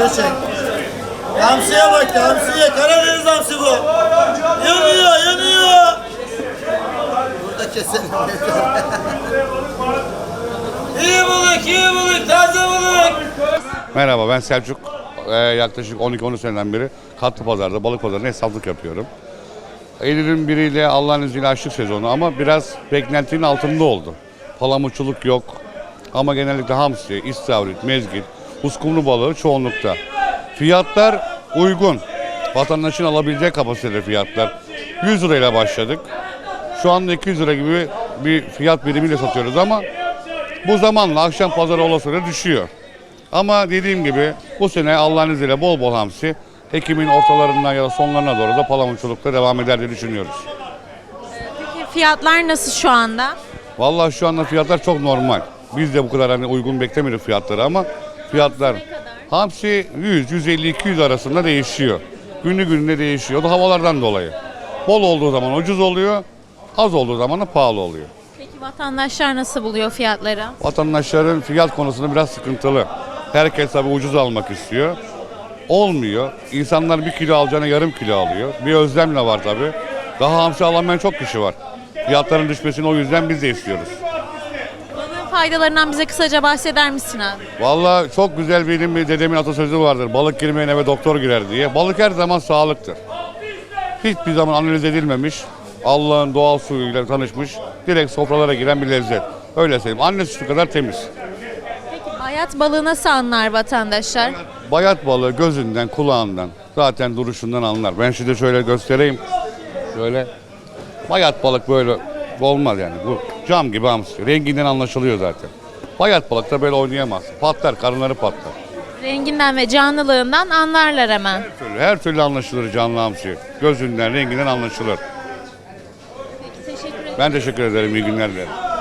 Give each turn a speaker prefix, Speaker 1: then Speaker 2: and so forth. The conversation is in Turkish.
Speaker 1: geri çek. Hamsiye bak, hamsiye. Karadeniz hamsi bu. Yanıyor, yanıyor. Burada keselim. İyi balık, iyi balık, taze balık.
Speaker 2: Merhaba, ben Selçuk. Yaklaşık 12-13 seneden beri Katlı Pazar'da, balık pazarında esnaflık yapıyorum. Eylül'ün biriyle Allah'ın izniyle açlık sezonu ama biraz beklentinin altında oldu. Palamutçuluk yok ama genellikle hamsi, istavrit, mezgit, uskumru balığı çoğunlukta. Fiyatlar uygun. Vatandaşın alabileceği kapasitede fiyatlar. 100 lirayla başladık. Şu anda 200 lira gibi bir fiyat birimiyle satıyoruz ama bu zamanla akşam pazarı olasılığı düşüyor. Ama dediğim gibi bu sene Allah'ın izniyle bol bol hamsi, Ekim'in ortalarından ya da sonlarına doğru da palamutçulukta devam eder diye düşünüyoruz.
Speaker 3: Peki fiyatlar nasıl şu anda?
Speaker 2: Vallahi şu anda fiyatlar çok normal. Biz de bu kadar hani uygun beklemiyorduk fiyatları ama fiyatlar hamsi 100, 150, 200 arasında değişiyor. Günü gününe değişiyor. O da havalardan dolayı. Bol olduğu zaman ucuz oluyor, az olduğu zaman da pahalı oluyor.
Speaker 3: Peki vatandaşlar nasıl buluyor fiyatları?
Speaker 2: Vatandaşların fiyat konusunda biraz sıkıntılı. Herkes tabii ucuz almak istiyor. Olmuyor. İnsanlar 1 kilo alacağına yarım kilo alıyor. Bir özlemle var tabii. Daha hamsi alamayan çok kişi var. Fiyatların düşmesini o yüzden biz de istiyoruz.
Speaker 3: Balığın faydalarından bize kısaca bahseder misin abi?
Speaker 2: Vallahi çok güzel benim bir dedemin atasözü vardır. Balık girmeyen eve doktor girer diye. Balık her zaman sağlıktır. Hiçbir zaman analiz edilmemiş. Allah'ın doğal suyuyla tanışmış. Direkt sofralara giren bir lezzet. Öyle söyleyeyim. Anne sütü kadar temiz.
Speaker 3: Peki bayat balığı nasıl anlar vatandaşlar?
Speaker 2: Bayat balığı gözünden, kulağından, zaten duruşundan anlar. Ben size şöyle göstereyim. Şöyle. Bayat balık böyle olmaz yani. Bu cam gibi hamsi. Renginden anlaşılıyor zaten. Bayat balık da böyle oynayamaz. Patlar, karınları patlar.
Speaker 3: Renginden ve canlılığından anlarlar hemen.
Speaker 2: Her türlü anlaşılır canlı hamsi. Gözünden, renginden anlaşılır.
Speaker 3: Peki teşekkür ederim.
Speaker 2: Ben teşekkür ederim. İyi günler dilerim.